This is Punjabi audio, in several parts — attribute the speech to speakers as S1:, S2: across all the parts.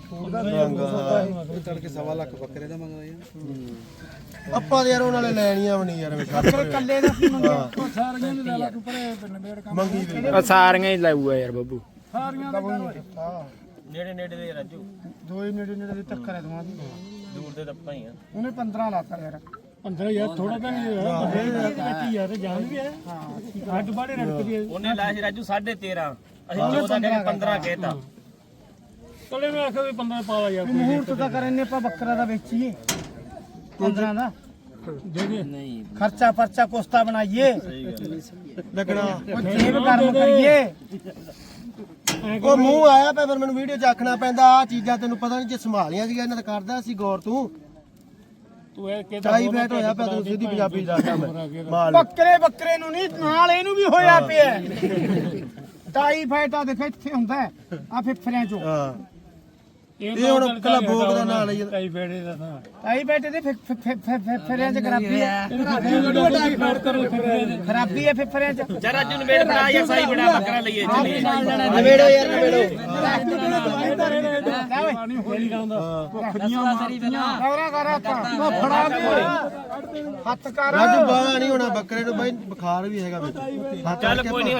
S1: ਤੜਕੇ 1.5 ਲੱਖ ਬੱਕਰੇ ਦਾ ਮੰਗਦਾ ਯਾਰ
S2: ਆਪਾਂ ਯਾਰ ਉਹਨਾਂ ਨੇ ਲੈਣੀਆਂ ਵੀ ਨਹੀਂ ਯਾਰ
S3: ਕੱਲੇ ਦਾ ਕੀ ਮੰਗਿਆ ਸਾਰੀਆਂ ਦੇ ਲੈ ਲਾ ਤੂੰ ਪਰੇ ਪਿੰਡ ਮੇੜ ਕੰਮ
S2: ਮੰਗੀ ਵੀ
S4: ਸਾਰੀਆਂ ਹੀ ਲਾਊਗਾ ਯਾਰ ਬੱਬੂ
S3: ਸਾਰੀਆਂ ਦਾ
S1: ਨੇੜੇ ਨੇੜੇ ਦੇ ਰਾਜੂ
S3: ਦੋਏ ਨੇੜੇ ਨੇੜੇ ਦੇ ਟੱਕਰ ਹੈ ਦਵਾਂ ਦੀ
S1: ਦੂਰ ਦੇ ਤਾਂ ਹੀ ਆ
S3: ਉਹਨੇ 15 ਲਾਤਾ ਯਾਰ 15 ਯਾਰ ਥੋੜਾ ਤਾਂ ਨਹੀਂ ਹੋਇਆ ਯਾਰ ਜਾਨ ਵੀ ਹੈ ਹਾਂ ਹੱਡ ਬਾੜੇ ਰੜਕਦੀ ਹੈ
S1: ਉਹਨੇ ਲਾਇਆ ਸੀ ਰਾਜੂ 13.5 ਅਸੀਂ 14 ਕਹਿੰਦੇ 15 ਕਹਿਤਾ
S3: ਚਲੇ ਮੈਂ ਆਖਿਆ ਵੀ 15 ਪਾ ਲਾ ਯਾਰ ਮੂਹਰਤ ਤਾਂ ਕਰਨੇ ਆਪਾਂ ਬੱਕਰਾ ਦਾ ਵੇਚੀਏ 15 ਦਾ ਦੇ ਦੇ ਨਹੀਂ ਖਰਚਾ ਪਰਚਾ ਕੋਸਤਾ ਬਣਾਈਏ
S2: ਲੱਗਣਾ
S3: ਉਹ ਜੇਬ ਗਰਮ ਕਰੀਏ
S2: ਉਹ ਮੂੰਹ ਆਇਆ ਪਿਆ ਫਿਰ ਮੈਨੂੰ ਵੀਡੀਓ ਚ ਆਖਣਾ ਪੈਂਦਾ ਆ ਚੀਜ਼ਾਂ ਤੈਨੂੰ ਪਤਾ ਨਹੀਂ ਜੇ ਸੰਭਾਲੀਆਂ ਸੀਗਾ ਇਹਨਾਂ ਦਾ ਕਰਦਾ ਸੀ ਗੌਰ ਤੂੰ
S3: ਇਹ
S2: ਚਾਈ ਬੈਠ ਹੋਇਆ ਪਿਆ ਤੈਨੂੰ ਸਿੱਧੀ ਪੰਜਾਬੀ ਦੱਸਦਾ ਮੈਂ ਮਾਲ
S3: ਬੱਕਰੇ ਨੂੰ ਨਹੀਂ ਨਾਲ ਇਹਨੂੰ ਵੀ ਹੋਇਆ ਪਿਆ ਟਾਈ ਫਾਈਟਾ ਦੇਖ ਇੱਥੇ ਹੁੰਦਾ ਆ ਫਿਫਰਿਆਂ ਚੋਂ
S2: ਹਾਂ ਇਹ ਹੁਣ ਕੱਲਾ ਭੋਗ ਦਾ ਨਾਂ ਲਈ
S3: ਟਾਈ ਫਾਈਟੇ ਦਾ ਤਾਂ ਟਾਈ ਫਾਈਟੇ ਦੇ ਫਿਫਰਿਆਂ ਚ ਖਰਾਬੀ ਹੈ ਖਰਾਬੀ ਹੈ ਫਿਫਰਿਆਂ ਚ
S1: ਜਾ ਰਾਜੂ ਨਵੇੜ ਬਣਾ ਜਾਂ ਸਾਈ ਬਣਾ ਬੱਕਰਾ ਲਈਏ ਚੱਲੀਏ
S2: ਨਵੇੜੋ ਯਾਰ ਨਵੇੜੋ
S3: ਹੱਥ ਕਰ
S2: ਰਾਜੂ ਬਾਹਰ ਨਹੀਂ ਹੋਣਾ ਬੱਕਰੇ ਨੂੰ ਬਾਈ ਬੁਖਾਰ ਵੀ ਹੈਗਾ ਵਿੱਚ
S1: ਚੱਲ ਕੋਈ ਨਹੀਂ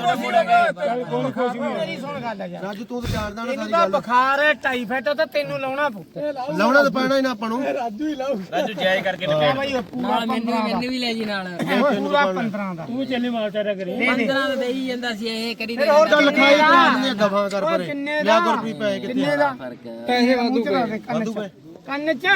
S3: ਮੇਰੀ ਸੁਣ ਗੱਲ ਹੈ ਯਾਰ
S2: ਰਾਜੂ ਤੂੰ ਤਾਂ ਜਾਣਦਾ ਨਾ
S3: ਇਹਨੂੰ
S2: ਸਾਰੀ
S3: ਤਾਂ
S2: ਗੱਲ
S3: ਬੁਖਾਰ ਹੈ ਟਾਈਫਾਈਡ ਤਾਂ ਤੈਨੂੰ ਲਾਉਣਾ ਪਊ
S2: ਲਾਉਣਾ ਤਾਂ ਪੈਣਾ ਹੀ ਨਾ ਆਪਾਂ ਨੂੰ
S1: ਰਾਜੂ ਜਾਇਜ਼ ਕਰਕੇ
S3: ਕਿਆ ਬਾਈ ਉਹ ਪੂਰਾ
S5: ਮੈਨੂੰ ਵੀ ਲੈ ਜੀ ਨਾਲ
S3: ਪੂਰਾ 15 ਦਾ ਤੂੰ ਚੱਲੀ ਮਾਰ ਚਾਰਾ ਕਰੀ
S5: 15 ਦਾ ਦੇਈ ਜਾਂਦਾ ਸੀ ਇਹ ਕਰੀ
S3: ਫਿਰ ਹੋਰ
S2: ਚੱਲ ਲਿਖਾਈ ਕਰਾ ਦਿੰਦੇ ਦਫਾ ਕਰ ਪਰੇ
S3: ਕਿੰਨੇ
S2: ਲਿਆ
S3: ਦਾ
S2: ਗੁਰਪ੍ਰੀਤ ਪੈਸੇ ਕਿੱਥੇ
S3: ਕਿੰਨੇ ਦਾ ਪੈਸੇ ਵਾਧੂ
S2: ਵਾਧੂ ਪਏ
S3: ਕੰਨ ਚ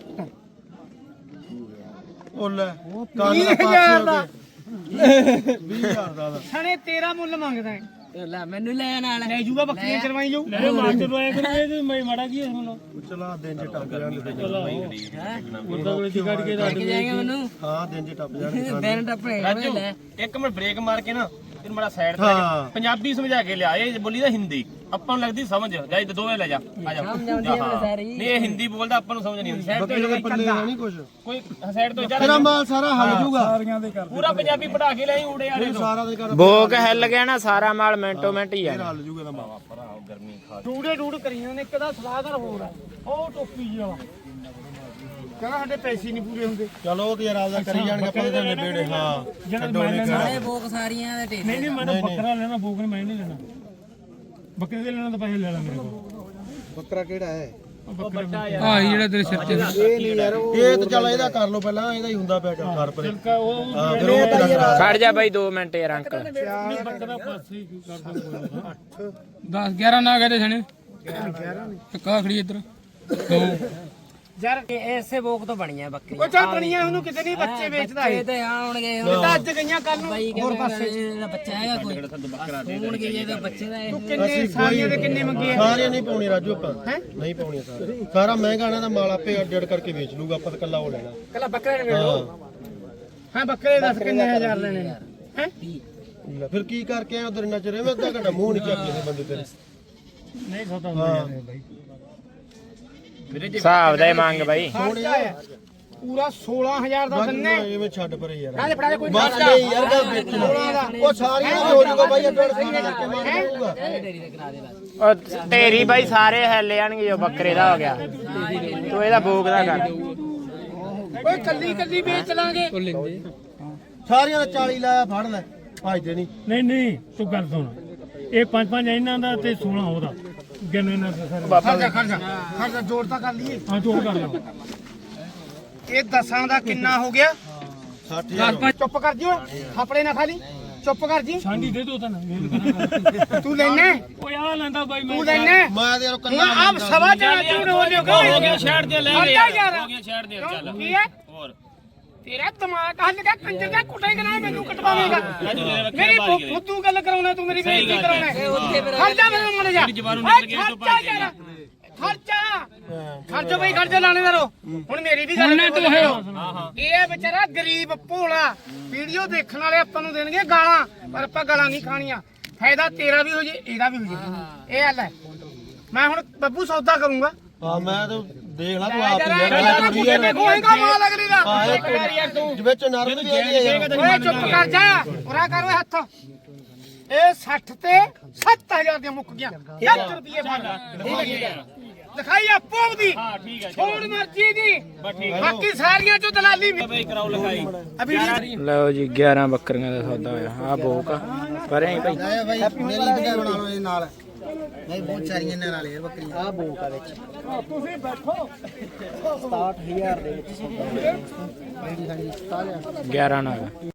S2: ਉਹ ਲੈ ਕੰਨ ਦਾ
S3: 20000 ਦਾ
S2: 20000 ਦਾ
S3: ਸਣੇ ਤੇਰਾ ਮੁੱਲ ਮੰਗਦਾ ਹੈ
S5: ਲੈ ਮੈਨੂੰ ਲੈ ਨਾਲ
S3: ਲੈ ਜੂਗਾ ਬੱਕਰੀਆਂ ਚਰਵਾਈ ਜਾਊ ਲੈ ਮਾਸਟਰ ਨੂੰ ਆਇਆ ਕਰੀਏ ਤੇ ਮੈਂ ਮਾੜਾ ਕੀ ਹੁਣ
S2: ਚਲਾ ਦਿਨ ਚ ਟੱਪ ਜਾਣਗੇ
S3: ਮੁਰਦਾ ਕੋਲੇ ਦੀ ਕੱਢ ਕੇ
S5: ਲੈ ਕੇ ਜਾਏਗਾ ਮੈਨੂੰ
S2: ਹਾਂ ਦਿਨ ਚ ਟੱਪ ਜਾਣਗੇ
S5: ਦਿਨ ਟੱਪਣੇ
S1: ਰਾਜੂ
S5: ਲੈ
S1: ਇੱਕ ਮਿੰਟ ਬ੍ਰੇਕ ਮਾਰ ਕੇ ਨਾ ਤੈਨੂੰ ਬੜਾ ਸਾਈਡ ਤੇ
S2: ਹਾਂ।
S1: ਪੰਜਾਬੀ ਸਮਝਾ ਕੇ ਲਿਆ ਇਹ ਬੋਲੀ ਦਾ ਹਿੰਦੀ ਆਪਾਂ ਨੂੰ ਲੱਗਦੀ ਸਮਝ ਜਾ ਇਹ ਦੋਵੇਂ ਲੈ ਜਾ ਆ ਜਾ
S5: ਸਮਝ ਆਉਂਦੀ ਹੈ ਮੈਨੂੰ ਸਾਰੀ
S1: ਨਹੀਂ ਇਹ ਹਿੰਦੀ ਬੋਲਦਾ ਆਪਾਂ ਨੂੰ ਸਮਝ ਨਹੀਂ ਆਉਂਦੀ ਸਾਈਡ
S2: ਬੱਕਰੇ ਦੇ ਪੱਲੇ ਨਹੀਂ ਕੁਛ
S1: ਕੋਈ ਸਾਈਡ ਤੋਂ ਜਾ
S2: ਤੇਰਾ ਮਾਲ ਸਾਰਾ ਹਲ ਜੂਗਾ
S3: ਸਾਰੀਆਂ ਦੇ ਕਰ
S1: ਪੂਰਾ ਪੰਜਾਬੀ ਪੜਾ ਕੇ ਲਿਆਈ ਊੜੇ ਵਾਲੇ ਤੋਂ
S2: ਸਾਰਾ ਦੇ ਕਰ
S4: ਭੋਗ ਹਿੱਲ ਗਿਆ ਨਾ ਸਾਰਾ ਮਾਲ ਮਿੰਟੋ ਮਿੰਟ ਹੀ ਆ
S2: ਹਲ ਜੂਗਾ ਦਾ ਮਾਲ
S1: ਗਰਮੀ ਖਾ
S3: ਡੂੜੇ ਡੂੜ ਕਰੀਆਂ ਨੇ ਇੱਕ ਦਾ ਸਲਾਹਦਾਰ ਹੋਰ ਆ ਉਹ ਟੋਪੀ ਜੀ ਵਾਲਾ ਕਹਿੰਦਾ ਸਾਡੇ ਪੈਸੇ ਨਹੀਂ ਪੂਰੇ ਹੁੰਦੇ
S2: ਚਲੋ ਉਹ ਤੇ ਯਾਰ ਆਪਦਾ ਕਰੀ ਜਾਣਗੇ ਆਪਾਂ ਤੇ ਨਿਬੇੜੇ ਹਾਂ ਛੱਡੋ ਨਹੀਂ
S5: ਸਾਰੇ ਬੋਕ ਸਾਰੀਆਂ ਦੇ ਢੇਰ
S3: ਨਹੀਂ ਮੈਂ ਬੱਕਰਾ ਲੈਣਾ ਬੋਕ ਨੇ ਮੈਂ ਨਹੀਂ ਲੈਣਾ ਬੱਕਰੇ ਦੇ ਲੈਣਾ ਤਾਂ ਪੈਸੇ ਲੈ ਲਾ ਮੇਰੇ ਕੋਲ
S2: ਬੱਕਰਾ ਕਿਹੜਾ ਹੈ
S3: ਆਹ ਜਿਹੜਾ ਤੇਰੇ ਸਿਰ ਤੇ
S2: ਇਹ ਨਹੀਂ ਯਾਰ ਇਹ ਤਾਂ ਚੱਲ ਇਹਦਾ ਕਰ ਲਓ ਪਹਿਲਾਂ ਇਹਦਾ ਹੀ ਹੁੰਦਾ ਪਿਆ ਕਰ ਪਰੇ
S3: ਉਹ
S2: ਹਾਂ ਫਿਰ ਉਹ ਤੇਰਾ ਕਰਾ
S4: ਖੜ ਜਾ ਬਾਈ 2 ਮਿੰਟ ਯਾਰ ਅੰਕਲ
S3: ਬੱਕਰਾ ਪਾਸੇ ਹੀ ਕਰਦਾ ਕੋਈ 10 11 ਨਾ ਕਹਦੇ ਸਣੇ 11 ਕਾ ਖੜੀ ਇੱਧਰ ਦੋ
S5: ਯਾਰ ਐਸੇ ਬੋਕ ਤੋਂ ਬਣੀਆਂ ਬੱਕਰੀਆਂ
S3: ਉਹ ਚੱਲ ਬਣੀਆਂ ਉਹਨੂੰ ਕਿਤੇ ਨਹੀਂ ਬੱਚੇ ਵੇਚਦਾ
S5: ਇਹ ਤੇ ਆਉਣਗੇ
S3: ਇਹ ਤਾਂ ਅੱਜ ਗਈਆਂ ਕੱਲ ਨੂੰ
S5: ਬਾਈ
S3: ਹੋਰ
S5: ਕਹਿੰਦਾ
S3: ਪਾਸੇ
S5: ਇਹਦਾ ਬੱਚਾ ਹੈਗਾ ਕੋਈ ਹੋਣਗੇ ਇਹਦਾ ਬੱਚੇ ਦਾ ਇਹ
S3: ਤੂੰ ਕਿੰਨੇ ਸਾਰੀਆਂ ਦੇ ਕਿੰਨੇ ਮੰਗੇ ਆ
S2: ਸਾਰੀਆਂ ਨਹੀਂ ਪਾਉਣੀ ਰਾਜੂ ਆਪਾਂ ਨਹੀਂ ਪਾਉਣੀਆਂ ਸਾਰੀਆਂ ਸਾਰਾ ਮਹਿੰਗਾ ਨਾ ਦਾ ਮਾਲ ਆਪੇ ਅੱਡ ਕਰਕੇ ਵੇਚ ਲੂਗਾ ਆਪਾਂ ਤਾਂ ਕੱਲਾ ਉਹ ਲੈਣਾ
S3: ਕੱਲਾ ਬੱਕਰੇ ਨੇ ਵੇਚ ਲਓ ਹਾਂ ਬੱਕਰੇ ਦੱਸ ਕਿੰਨੇ ਹਜ਼ਾਰ ਲੈਣੇ ਨੇ ਹੈ
S2: ਲੈ ਫਿਰ ਕੀ ਕਰਕੇ ਆ ਉਧਰ ਇੰਨਾ ਚਿਰ ਐਵੇਂ ਅੱਧਾ ਘੰਟਾ ਮੂੰਹ ਨਹੀਂ ਚੱਕ ਕਿਸੇ ਬੰਦੇ ਤੇਰੇ
S3: ਨਹੀਂ ਸੌਦਾ ਹੁੰਦਾ ਬਾਈ
S4: ਹਿਸਾਬ ਦਾ ਹੀ ਮੰਗ ਬਾਈ
S3: ਖਰਚਾ ਹੈ ਪੂਰਾ 16000 ਦਾ ਦਿੰਨੇ
S2: ਐਵੇਂ ਛੱਡ ਪਰੇ ਯਾਰ
S3: ਨਾਲੇ ਫੜਾ ਦੇ ਕੋਈ
S2: ਬਸ ਨਹੀਂ ਯਾਰ ਗੱਲ ਵੇਚਣਾ ਉਹ ਸਾਰੀਆਂ ਹੋ ਜੂਗਾ ਬਾਈ ਅੱਡ ਕਰਕੇ ਮਾਰ ਦਊਗਾ
S5: ਢੇਰੀ ਦੇ ਕਰਾ ਦੇ ਬਸ
S4: ਉਹ ਢੇਰੀ ਬਾਈ ਸਾਰੇ ਹਿੱਲ ਜਾਣਗੇ ਜੋ ਬੱਕਰੇ ਦਾ ਹੋ ਗਿਆ ਤੂੰ ਇਹਦਾ ਭੋਗ ਦਾ ਕਰ
S3: ਓਏ ਕੱਲੀ ਕੱਲੀ ਵੇਚ ਲਾਂਗੇ
S2: ਸਾਰੀਆਂ ਦਾ 40 ਲਾਇਆ ਫੜ ਲੈ ਭਜਦੇ ਨਹੀਂ
S3: ਨਹੀਂ ਨਹੀਂ ਤੂੰ ਗੱਲ ਸੁਣ ਇਹ 5-5 ਇਹਨਾਂ ਦਾ ਤੇ 16 ਉਹਦਾ ਗਿਣ ਇਹਨਾਂ ਦਾ ਸਾਰੇ ਖਰਚਾ ਜੋੜ ਤਾਂ ਕਰ ਲਈਏ ਹਾਂ ਜੋੜ ਕਰ ਲਓ ਇਹ 10 ਦਾ ਕਿੰਨਾ ਹੋ ਗਿਆ
S2: 60000
S3: ਚੁੱਪ ਕਰ ਜਿਓ ਥਾਪੜੇ ਨਾ ਖਾਲੀ ਚੁੱਪ ਕਰ ਜੀ ਛਾਂਡੀ ਦੇ ਦੋ ਤਾਂ ਤੂੰ ਲੈਣਾ ਓਏ ਆ ਲੈਂਦਾ ਬਾਈ ਮੈਂ ਤੂੰ ਲੈਣਾ
S2: ਮੈਂ ਤੇ ਯਾਰ
S3: ਹੁਣ
S2: ਕੰਨਾ
S3: ਆਪ ਸਵਾ ਜਣਾ ਤੂੰ ਹੋ ਲਿਓ
S1: ਹੋ ਗਿਆ ਸ਼ਹਿਰ ਦੇ ਲੈ ਗਏ ਹੋ ਗਿਆ ਸ਼ਹਿਰ ਦੇ ਚੱਲ
S3: ਕੀ ਹੈ
S1: ਹੋਰ
S3: ਤੇਰਾ ਦਿਮਾਗ ਹੱਲ ਗਿਆ ਕੰਜਰ ਦਾ ਕੁੱਟੇਗਾ ਨਾ ਮੈਨੂੰ ਕਟਵਾਵੇਂਗਾ ਮੇਰੀ ਫੁੱਦੂ ਗੱਲ ਕਰਾਉਣਾ ਤੂੰ ਮੇਰੀ ਬੇਇੱਜ਼ਤੀ ਕਰਾਉਣਾ ਖਰਚਾ ਮੈਨੂੰ ਮੜ ਜਾ ਖਰਚਾ ਬਈ ਖਰਚਾ ਲਾਣੇਦਾਰੋ ਹੁਣ ਮੇਰੀ ਵੀ ਗੱਲ ਨਾ ਤੂੰ ਇਹ ਵਿਚਾਰਾ ਗਰੀਬ ਭੋਲਾ ਵੀਡੀਓ ਦੇਖਣ ਵਾਲੇ ਆਪਾਂ ਨੂੰ ਦੇਣਗੇ ਗਾਲਾਂ ਪਰ ਆਪਾਂ ਗਾਲਾਂ ਨਹੀਂ ਖਾਣੀਆਂ ਫਾਇਦਾ ਤੇਰਾ ਵੀ ਹੋ ਜੇ ਇਹਦਾ ਵੀ ਹੋ ਜੇ ਇਹ ਹੱਲ ਹੈ ਮੈਂ ਹੁਣ ਬੱਬੂ ਸੌਦਾ ਕਰੂੰਗਾ
S2: ਹਾਂ ਮੈਂ ਤਾਂ ਦੇਖ ਲਾ ਤੂੰ ਆਪ ਹੀ
S3: ਹੋਏਗਾ ਮਾਲ ਅਗਲੀ ਦਾ
S2: ਵਿੱਚ ਨਰਮ ਵੀ ਹੈਗੀ ਆ ਯਾਰ
S3: ਓਏ ਚੁੱਪ ਕਰ ਜਾ ਉਰਾ ਕਰ ਓਏ ਹੱਥ ਇਹ 60 ਤੇ 7000 ਦੀਆਂ ਮੁੱਕ ਗਿਆ 1 ਰੁਪਏ ਫੜ ਲਿਖਾਈ ਆਪੋ ਦੀ
S1: ਹਾਂ ਠੀਕ ਹੈ
S3: ਛੋੜ ਮਰਜ਼ੀ ਦੀ
S1: ਬਸ ਠੀਕ ਹੈ
S3: ਬਾਕੀ ਸਾਰੀਆਂ ਚੋਂ ਦਲਾਲੀ
S1: ਬਈ ਕਰਾਓ ਲਿਖਾਈ
S4: ਲਓ ਜੀ 11 ਬੱਕਰੀਆਂ ਦਾ ਸੌਦਾ ਹੋਇਆ ਆ ਬੋਕ ਪਰ ਐ ਭਾਈ
S2: ਆਇਆ ਬਾਈ ਮੇਰੀ ਵੀਡੀਓ ਬਣਾ ਲਓ ਇਹ ਨਾਲ ਬਾਈ ਬਹੁਤ ਸਾਰੀਆਂ ਇਹਨਾਂ ਨਾਲ ਯਾਰ ਬੱਕਰੀਆਂ ਆ ਬੋਕ ਆ ਵਿੱਚ ਤੁਸੀਂ ਬੈਠੋ 67000 ਦੇ ਵਿੱਚ ਹਾਂਜੀ ਹਾਂਜੀ
S4: 11 ਨਾਲ